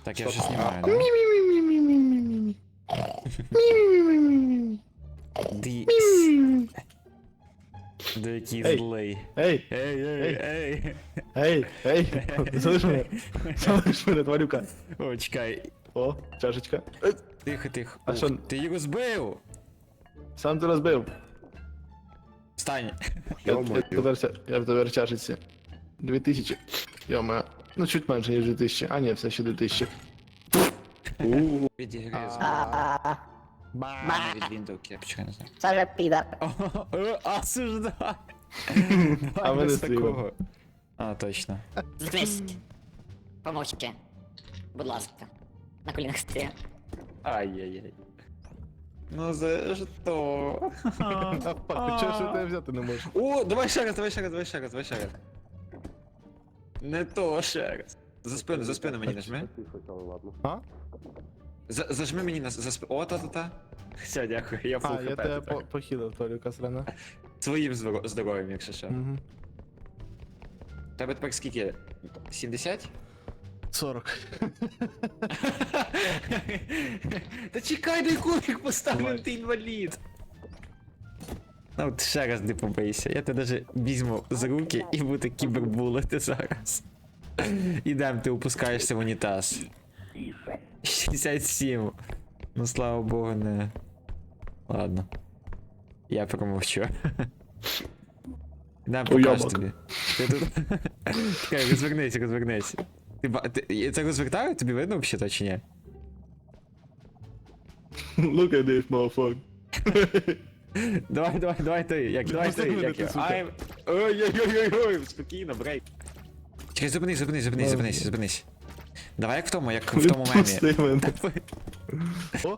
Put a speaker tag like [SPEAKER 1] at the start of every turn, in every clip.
[SPEAKER 1] Так, я вже знімаю, да? Ди... Да який
[SPEAKER 2] Ей.
[SPEAKER 1] злий.
[SPEAKER 2] Ей,
[SPEAKER 1] Ей.
[SPEAKER 2] залиш мене. Залиш мене, тварюка.
[SPEAKER 1] О, чекай.
[SPEAKER 2] О, чашечка.
[SPEAKER 1] Тихо, тихо.
[SPEAKER 2] А
[SPEAKER 1] Ух,
[SPEAKER 2] що?
[SPEAKER 1] ти його збив?
[SPEAKER 2] Сам ти розбив.
[SPEAKER 1] Встань.
[SPEAKER 2] Я тепер чашечці. 2000. Йома. Ну, чуть менше, ніж 2000. А, ні, все ще 2000.
[SPEAKER 1] Відігризу. Від віндовки, почекай, не знаю.
[SPEAKER 3] Це же підар.
[SPEAKER 1] Осуждай.
[SPEAKER 2] А
[SPEAKER 1] Давай
[SPEAKER 2] ми не
[SPEAKER 1] без
[SPEAKER 2] стрімимо.
[SPEAKER 1] такого. А, точно.
[SPEAKER 3] Здрасте. Помовчте. Будь ласка. На колінах стає.
[SPEAKER 1] Ай-яй-яй. Ну за що?
[SPEAKER 2] Чого ж ти тебе взяти не можеш?
[SPEAKER 1] О, давай ще раз. Не то ще раз. За спину мені нажми.
[SPEAKER 2] А?
[SPEAKER 1] Зажми мені за спину. О, та-та-та. Все, дякую, я фул
[SPEAKER 2] А, я
[SPEAKER 1] хп
[SPEAKER 2] тебе
[SPEAKER 1] тепер.
[SPEAKER 2] похилив, Толіка срана.
[SPEAKER 1] Своїм здоров'ям, якщо що.
[SPEAKER 2] Угу.
[SPEAKER 1] Тебе тепер скільки? 70?
[SPEAKER 2] 40.
[SPEAKER 1] Та чекай, дай кубик поставив,
[SPEAKER 2] Давай.
[SPEAKER 1] ти інвалід. Ну от ще раз не побийся, я тебе даже візьму за руки і буду кібербулити зараз. Ідем, ти опускаєшся в унітаз. 67. Ну слава богу, не. Ладно. Я промовчу. Ідем, покажу
[SPEAKER 2] Уйобок.
[SPEAKER 1] тобі. Ти тут. Чекай, розвернись. Ти це розвертаю? Тобі видно взагалі чи ні?
[SPEAKER 2] Look at this, motherfucker.
[SPEAKER 1] Давай ти, як
[SPEAKER 2] Давай ти,
[SPEAKER 1] я.
[SPEAKER 2] сука.
[SPEAKER 1] I'm... Ой-ой-ой-ой, спокійно, брейк. Чекай, зупинись. Давай як в тому мемі.
[SPEAKER 2] Пусти мене. О?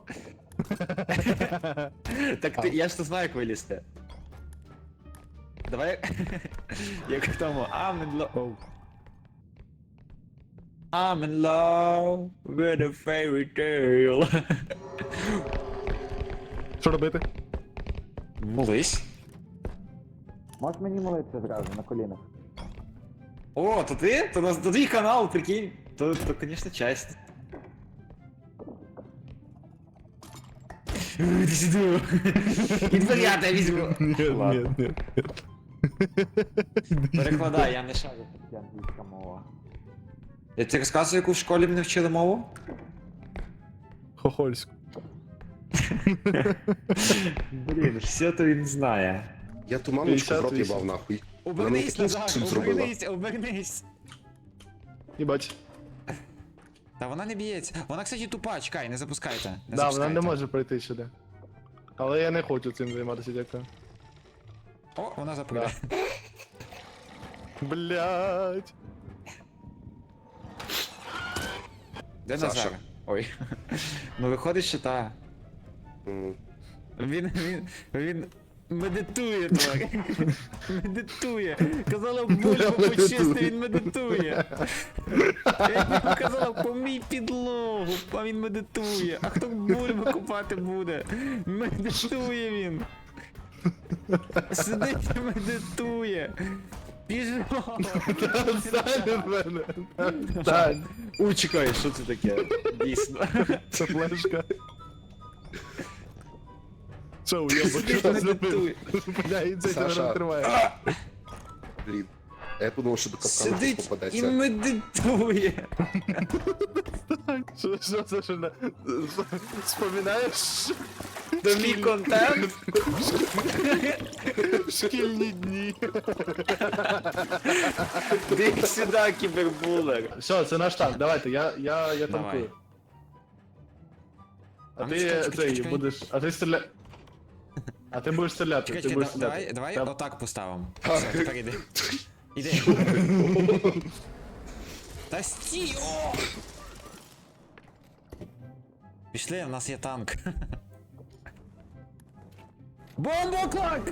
[SPEAKER 1] Так ти, я ж то знаю, як вилізти. Давай як в тому, I'm in love. I'm in love with a fairy tale.
[SPEAKER 2] Що робити?
[SPEAKER 1] Молись. Можеш мені молитися зразу на колінах? О, то ти? То твій канал, прикинь. То, конечно, часть. Іди сюди. І тепер я тебе візьму. Ладно.
[SPEAKER 2] Ні.
[SPEAKER 1] Перекладай, я не шарю, як англійська мова. Я тобі розказую, яку в школі мене вчили мову?
[SPEAKER 2] Хохольську.
[SPEAKER 1] Блін, все то він знає.
[SPEAKER 4] Я ту мамочку в рот
[SPEAKER 2] 58.
[SPEAKER 4] їбав нахуй.
[SPEAKER 1] Обернись,
[SPEAKER 4] такий
[SPEAKER 1] Назар,
[SPEAKER 4] суд зробила.
[SPEAKER 1] обернись.
[SPEAKER 2] Їбать.
[SPEAKER 1] Та вона не б'ється. Вона, кстати, тупа, чекай, не запускайте. Не
[SPEAKER 2] Да, вона
[SPEAKER 1] запускайте.
[SPEAKER 2] не може пройти сюди. Але я не хочу цим займатися, дякую.
[SPEAKER 1] О, вона запрыгає.
[SPEAKER 2] Блять.
[SPEAKER 1] Де
[SPEAKER 4] Саша.
[SPEAKER 1] Назар? Ой. Ну виходить, що та.
[SPEAKER 4] М.
[SPEAKER 1] Він медитує, тварь. Медитує. Казала бульбу почисти, він медитує. Я йому казала, помій підлогу, а він медитує. А хто бульбу купати буде? Медитує він. Сидить і медитує. Біжимо.
[SPEAKER 2] Стань від мене. Стань.
[SPEAKER 1] Ой, чекай, що це таке? Дійсно.
[SPEAKER 2] Це флешка. Що, уйобок,
[SPEAKER 1] Сидить,
[SPEAKER 2] що
[SPEAKER 1] медитує.
[SPEAKER 2] зробив? Бля, і це тебе
[SPEAKER 4] Саша.
[SPEAKER 2] розкриває.
[SPEAKER 4] Блін. А я подумав, що до капкану
[SPEAKER 1] Сидить і
[SPEAKER 4] попадеться.
[SPEAKER 1] медитує.
[SPEAKER 2] Що це, що на... Споминаєш
[SPEAKER 1] Це мій контент.
[SPEAKER 2] шкільні дні?
[SPEAKER 1] Іди сюди, кібербулер.
[SPEAKER 2] Все, це наш танк, давайте, я танкую. А
[SPEAKER 1] ну,
[SPEAKER 2] ти
[SPEAKER 1] чекай,
[SPEAKER 2] цей
[SPEAKER 1] чекай.
[SPEAKER 2] будеш, а ти стріля... А ти будеш стріляти,
[SPEAKER 1] Чекай,
[SPEAKER 2] ти будеш
[SPEAKER 1] чекай,
[SPEAKER 2] стріляти.
[SPEAKER 1] давай
[SPEAKER 2] Та-
[SPEAKER 1] отак поставимо. Все, тепер іди. Іди. Та стій, о! Пішли, в нас є танк. Бомбоклак!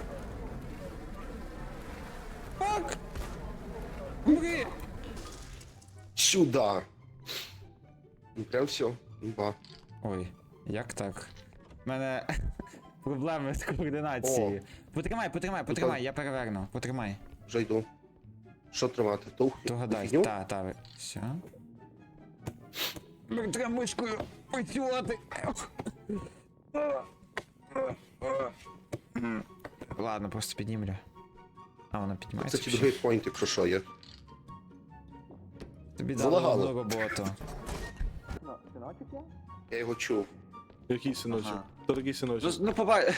[SPEAKER 1] Фак! Умри!
[SPEAKER 4] Сюда. Ну прям все. Ба.
[SPEAKER 1] Ой, як так? У мене проблеми з координацією. Потримай, я переверну. Потримай.
[SPEAKER 4] Вже йду. Що тримати? Тух?
[SPEAKER 1] Догадай,
[SPEAKER 4] Фігню?
[SPEAKER 1] та, все. Треба мишкою працювати. Ладно, просто піднімлю. А, вона піднімається.
[SPEAKER 4] Кстати, другий поінт, якщо що є.
[SPEAKER 1] Тобі дали
[SPEAKER 4] залагало.
[SPEAKER 1] одну роботу.
[SPEAKER 4] Я його чув.
[SPEAKER 2] Який синочок?
[SPEAKER 1] Ага.
[SPEAKER 2] Хто такий синочок?
[SPEAKER 1] Ну побач.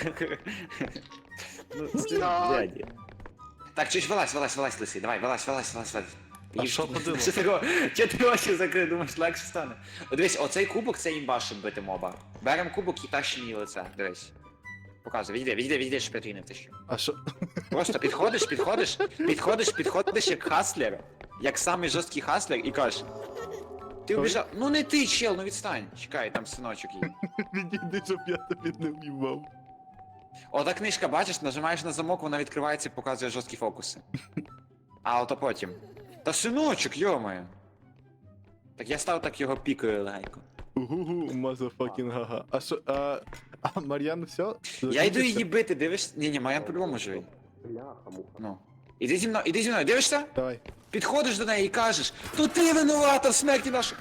[SPEAKER 1] Дяді. Так, чуть вилазь, лисий, давай, вилазь.
[SPEAKER 2] А що ходило?
[SPEAKER 1] Чого ти очі закрив, думаєш, легше стане? О, дивись, оцей кубок це імба, щоб бити моба. Берем кубок і тащим її лице, дивись. Показуй, відійди, щоб я твій не втащу.
[SPEAKER 2] А що?
[SPEAKER 1] Просто підходиш як хаслер, як самий жорсткий хаслер і кажеш. Ти убіжав, ну не ти, чел, ну відстань. Чекай, там синочок є.
[SPEAKER 2] Відійди, щоб я тобі не в'їбав.
[SPEAKER 1] Ота книжка, бачиш, нажимаєш на замок, вона відкривається і показує жорсткі фокуси. А ото потім. Та синочок, йомаю. Так я став так його пікою легенько.
[SPEAKER 2] Угу, мазафакін гага. А що, а Мар'ян все?
[SPEAKER 1] Я йду її бити, дивишся? Ні, Мар'ян по-любому живий.
[SPEAKER 4] Бляха-муха.
[SPEAKER 1] Ну. Іди зі мною, дивишся?
[SPEAKER 2] Давай.
[SPEAKER 1] Підходиш до неї і кажеш, то ти винувата в смерті нашої.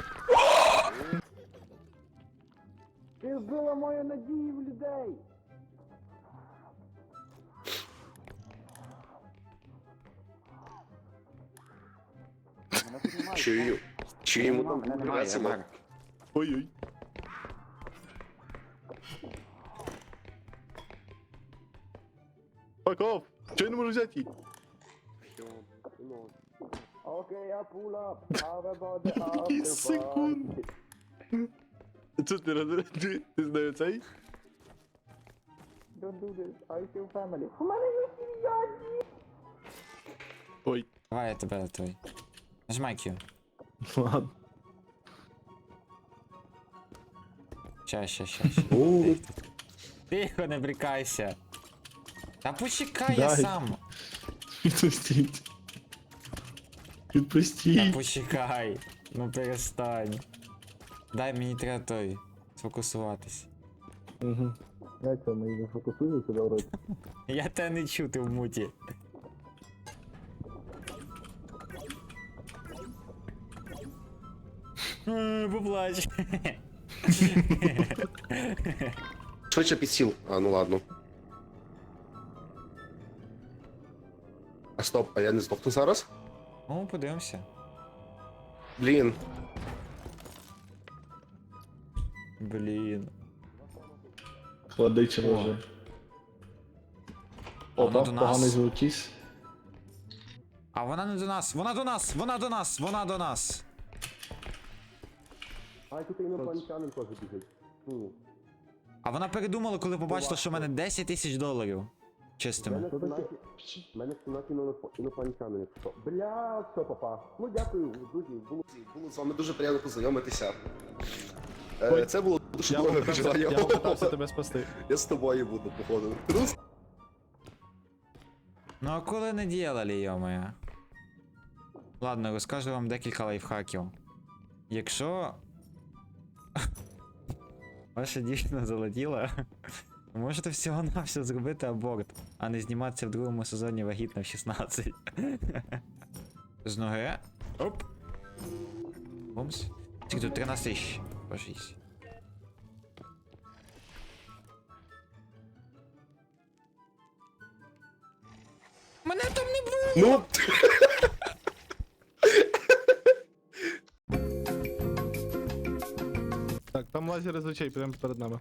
[SPEAKER 1] Ти вбила мою надію в людей.
[SPEAKER 4] Чую йому там
[SPEAKER 1] Немає,
[SPEAKER 4] замок.
[SPEAKER 1] Марк.
[SPEAKER 2] Ой-ой. Факов! Чого я не можу взяти її? Який секунд. Це ти розряджуєш? Ти знаю цей? Ой.
[SPEAKER 1] Давай, я тебе той. Нажимай Q.
[SPEAKER 2] Ладно.
[SPEAKER 1] Ща. Тихо, не брикайся. Та почекай, я
[SPEAKER 2] Дай.
[SPEAKER 1] сам.
[SPEAKER 2] Відпустіть.
[SPEAKER 1] Та
[SPEAKER 2] Відпустіть.
[SPEAKER 1] почекай. Ну перестань. Дай мені треба той. Сфокусуватись.
[SPEAKER 2] Угу. Як це, ми не фокусуємося, добре?
[SPEAKER 1] Я тебе не чую, ти в муті. Поплач.
[SPEAKER 4] Швидше підсіл. А, ну ладно. А стоп, а я не здохну зараз?
[SPEAKER 1] Ну, подивимося.
[SPEAKER 4] Блін.
[SPEAKER 1] Блін.
[SPEAKER 2] Водича може.
[SPEAKER 1] Вона
[SPEAKER 2] Опа,
[SPEAKER 1] до нас.
[SPEAKER 2] поганий звукіс.
[SPEAKER 1] А вона не до нас, вона до нас.
[SPEAKER 4] А тут інопланетянин теж біжить. Ну,
[SPEAKER 1] А вона передумала, коли побачила, що в мене 10 тисяч доларів. Чистими.
[SPEAKER 4] мене 17 інопланетянин, якщо. Бля, все, папа. Ну дякую, друзі. Було з вами дуже приємно познайомитися.
[SPEAKER 2] Ой,
[SPEAKER 4] Це було дуже
[SPEAKER 2] Я
[SPEAKER 4] довге желання.
[SPEAKER 2] попитався тебе спасти.
[SPEAKER 4] Я з тобою буду, походу.
[SPEAKER 1] Ну а коли не діяли, йомая? Ладно, розкажу вам декілька лайфхаків. Якщо ваша дівчина залетіла, ви можете всього-навсього зробити аборт, а не зніматися в другому сезоні вагітна в 16. З ноги. Оп. Бумс. Скільки тут 13 тисяч. По 6. Мене там не було!
[SPEAKER 4] Ну,
[SPEAKER 2] Так, там лазер з очей прямо перед нами.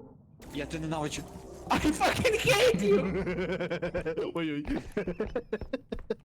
[SPEAKER 1] Я тебе ненавиджу. I fucking hate you!
[SPEAKER 2] Ой-ой.